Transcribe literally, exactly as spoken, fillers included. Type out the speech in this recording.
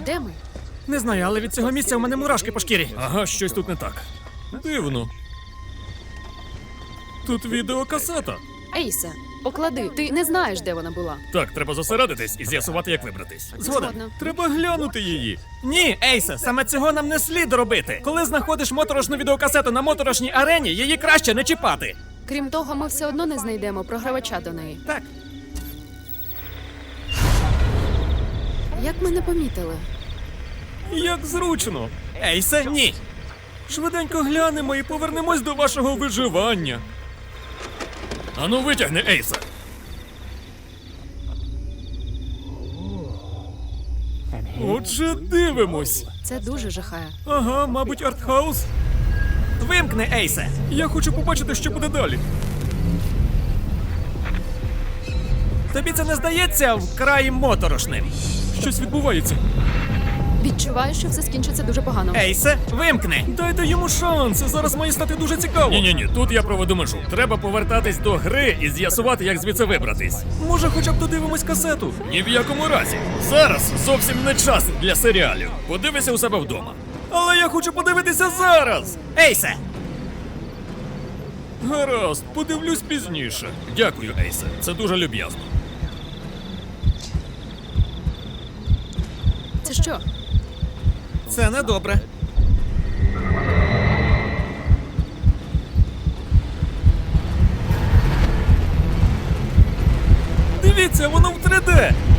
Де ми? Не знаю, але від цього місця у мене мурашки по шкірі. Ага, щось тут не так. Дивно. Тут відеокасета. Ейсе, поклади. Ти не знаєш, де вона була. Так, треба зосередитись і з'ясувати, як вибратись. Згоден. Згодна. Треба глянути її. Ні, Ейсе, саме цього нам не слід робити. Коли знаходиш моторошну відеокасету на моторошній арені, її краще не чіпати. Крім того, ми все одно не знайдемо програвача до неї. Так. Як ми не помітили? Як зручно. Ейсе, ні. Швиденько глянемо і повернемось до вашого виживання. Ану, витягни Ейса. Отже, дивимось. Це дуже жахає. Ага, мабуть, артхаус. Вимкни, Ейсе. Я хочу побачити, що буде далі. Тобі це не здається вкрай моторошним? Щось відбувається. Відчуваю, що все скінчиться дуже погано. Ейсе, вимкни. Дайте йому шанс, зараз має стати дуже цікаво. Ні-ні-ні, тут я проведу межу. Треба повертатись до гри і з'ясувати, як звідси вибратись. Може, хоча б додивимось касету? Ні в якому разі. Зараз зовсім не час для серіалів. Подивися у себе вдома. Але я хочу подивитися зараз. Ейсе! Гаразд, подивлюсь пізніше. Дякую, Ейсе. Це дуже люб'язно. Це що? Це недобре. Дивіться, воно в три де.